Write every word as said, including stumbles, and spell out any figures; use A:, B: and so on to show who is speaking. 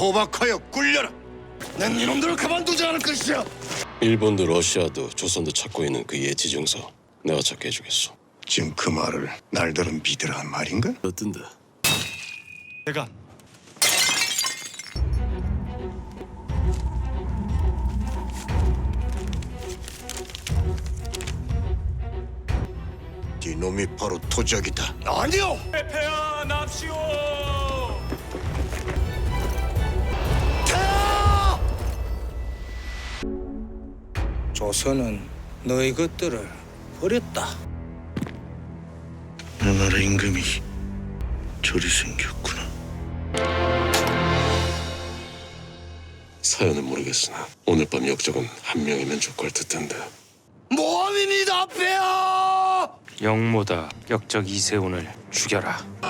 A: 포박하여 굴려라. 난 이놈들을 가만두지 않을 것이야.
B: 일본도 러시아도 조선도 찾고 있는 그 예지정서 내가 찾게 해주겠어.
A: 지금 그 말을 날들은 믿으라는 말인가?
B: 어떤데?
C: 대감,
A: 이놈이 바로 도적이다. 아니요.
C: 폐하 납시오.
D: 조선은 너희 것들을 버렸다.
A: 내 나라 임금이 저리 생겼구나.
B: 사연은 모르겠으나 오늘 밤 역적은 한 명이면 족할 듯한데.
A: 모함입니다, 폐하.
E: 영모다 역적 이세훈을 죽여라.